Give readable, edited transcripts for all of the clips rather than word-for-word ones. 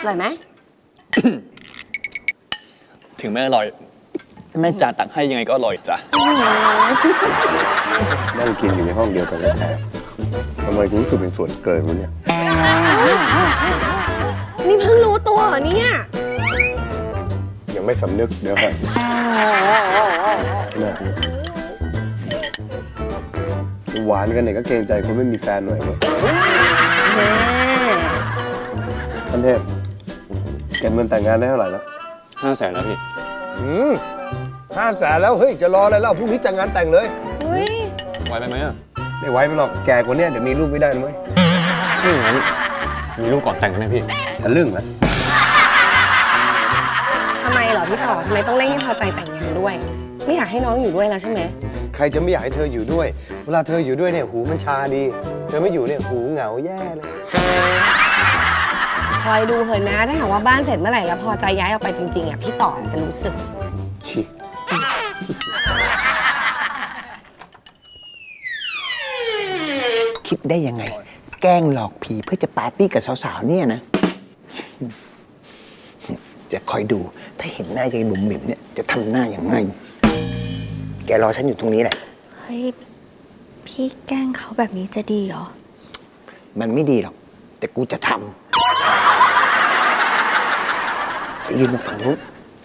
อร่อยไหมถึงไม่อร่อยแม่จ๋าตักให้ยังไงก็อร่อยจ้ะนั่งกินอยู่ในห้องเดียวกันแท้ๆทำไมถึงรู้สึกเป็นส่วนเกินวะเนี่ยนี่เพิ่งรู้ตัวเหรอเนี่ยยังไม่สำนึกเดี๋ยวครับเนี่ยหวานกันเนี่ยก็เกรงใจคนไม่มีแฟนหน่อยวะท่านเทพเก็บเงินแต่งงานได้เท่าไหร่แล้ว 500,000แล้วพี่ 500,000แล้วเฮ้ยจะรออะไรเล่าพรุ่งนี้จัดงานแต่งเลยเฮ้ยไวไปไหมอ่ะไม่ไหวไปหรอกแก่กว่านี้เดี๋ยวมีลูกไม่ได้นะเว้ยไม่อย่างนั้นมีลูกก่อนแต่งไหมพี่ทะลึ่งนะทำไมเหรอพี่ต่อ ทำไมต้องเร่งให้พอใจแต่งงานด้วย ไม่อยากให้น้องอยู่ด้วยแล้วใช่ไหมใครจะไม่อยากให้เธออยู่ด้วย เวลาเธออยู่ด้วยเนี่ยหูมันชาดี เธอไม่อยู่เนี่ยหูเหงาแย่เลยคอยดูเถอะนะ ถ้าหากว่าบ้านเสร็จเมื่อไหร่แล้วพอใจย้ายออกไปจริงๆอ่ะพี่ต่อจะรู้สึกชิคิดได้ยังไง แกล้งหลอกผีเพื่อจะปาร์ตี้กับสาวๆเนี่ยนะ จะคอยดู ถ้าเห็นหน้ายายบุ๋มบิ๋มเนี่ยจะทำหน้าอย่างไง แกรอฉันอยู่ตรงนี้แหละเฮ้ย พี่แกล้งเขาแบบนี้จะดีเหรอมันไม่ดีหรอก แต่กูจะทำไปยืนมาฝั่งนู้น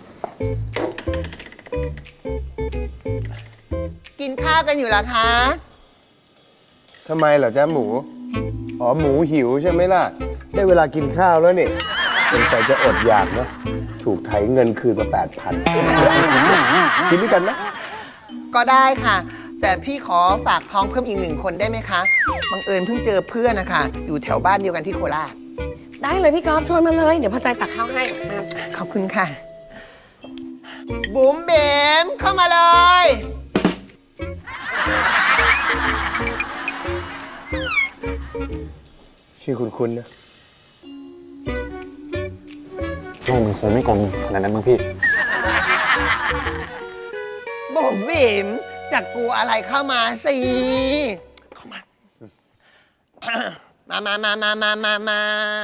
กินข้าวกันอยู่เหรอคะทำไมเหรอจ๊ะหมู อ๋อหมูหิวใช่ไหมล่ะ ได้เวลากินข้าวแล้วนี่สงสัยจะอดอยากนะ ถูกไถเงินคืนมา 8,000 กินด้วยกันนะก็ได้ค่ะ แต่พี่ขอฝากท้องเพิ่มอีก1 คนได้ไหมคะบังเอิญเพิ่งเจอเพื่อนนะคะ อยู่แถวบ้านเดียวกันที่โคราชได้เลยพี่ก๊อฟชวนมาเลย เดี๋ยวพอใจตักข้าวให้ขอบคุณค่ะ บุ๋มเบมเข้ามาเลยชื่อคุณนะโลกมันคงไม่กลมขนาดนั้นมั้งพี่บุ๋มเบมจะกลัวอะไรเข้ามาสิ เข้ามา มา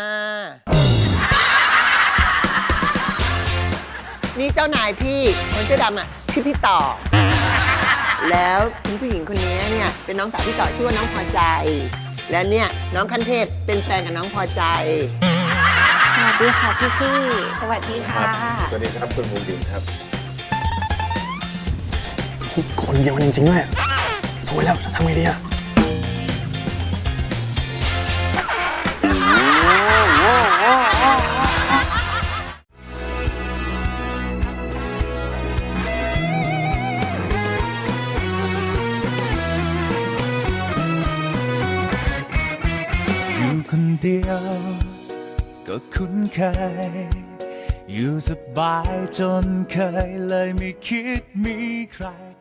นี่เจ้านายพี่คนเสื้อดำอ่ะชื่อพี่ต่อ แล้วคุณผู้หญิงคนนี้เนี่ยเป็นน้องสาวพี่ต่อชื่อว่าน้องพอใจ และเนี่ยน้องคันเทพเป็นแฟนกับน้องพอใจสวัสดีค่ะพี่สวัสดีค่ะสวัสดีครับคุณภูมิดินครับคนเดียวกันจริงๆด้วยสวยแล้วจะทำไงดีอ่ะอยู่คนเดียวก็คุ้นเคย อยู่สบายจนเคยเลยไม่คิดมีใคร